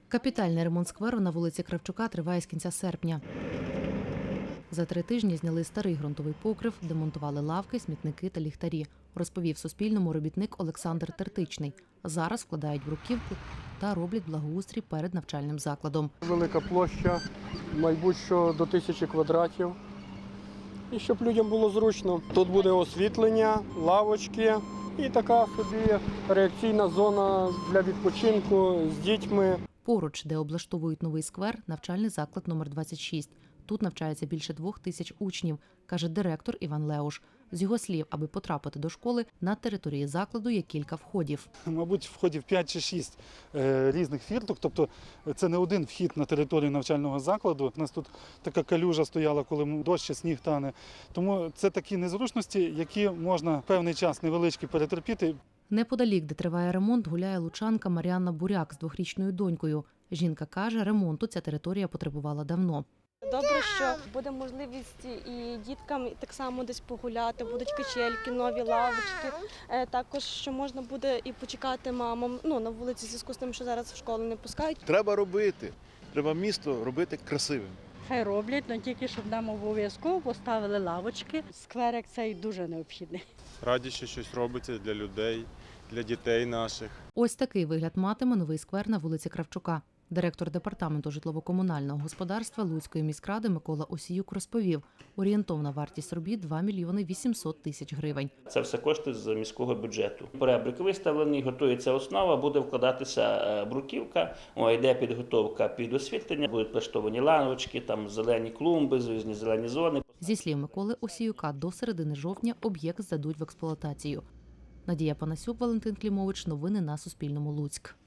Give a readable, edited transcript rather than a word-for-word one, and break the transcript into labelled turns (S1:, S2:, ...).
S1: Капітальний ремонт скверу на вулиці Кравчука триває з кінця серпня. За 3 тижні зняли старий ґрунтовий покрив, демонтували лавки, смітники та ліхтарі, розповів Суспільному робітник Олександр Тертичний. Зараз вкладають бруківку та роблять благоустрій перед навчальним закладом.
S2: Велика площа, мабуть, що до 1000 квадратів. І щоб людям було зручно. Тут буде освітлення, лавочки і така собі реакційна зона для відпочинку з дітьми.
S1: Поруч, де облаштовують новий сквер, навчальний заклад номер 26. Тут навчається більше 2000 учнів, каже директор Іван Леуш. З його слів, аби потрапити до школи, на території закладу є кілька входів.
S3: Мабуть, входів 5 чи 6 різних фірток, тобто це не один вхід на територію навчального закладу. У нас тут така калюжа стояла, коли дощ чи сніг тане. Тому це такі незручності, які можна певний час невеличкий перетерпіти.
S1: Неподалік, де триває ремонт, гуляє лучанка Мар'яна Буряк з 2-річною донькою. Жінка каже, ремонту ця територія потребувала давно.
S4: Добре, що буде можливість і діткам так само десь погуляти, будуть качельки, нові лавочки. Також, що можна буде і почекати мамам на вулиці в зв'язку з тим, що зараз в школу не пускають.
S5: Треба робити, треба місто робити красивим.
S6: Хай роблять, але тільки, щоб нам обов'язково поставили лавочки. Скверик цей дуже необхідний.
S7: Раді, що щось робиться для людей, для дітей наших.
S1: Ось такий вигляд матиме новий сквер на вулиці Кравчука. Директор департаменту житлово-комунального господарства Луцької міськради Микола Осіюк розповів, орієнтовна вартість робіт – 2 мільйони 800 тисяч гривень.
S8: Це все кошти з міського бюджету. Поребрик виставлений, готується основа, буде вкладатися бруківка, йде підготовка під освітлення, будуть влаштовані лавочки, там зелені клумби, різні зелені зони.
S1: Зі слів Миколи Осіюка, до середини жовтня об'єкт здадуть в експлуатацію. Надія Панасюк, Валентин Клімович. Новини на Суспільному. Луцьк.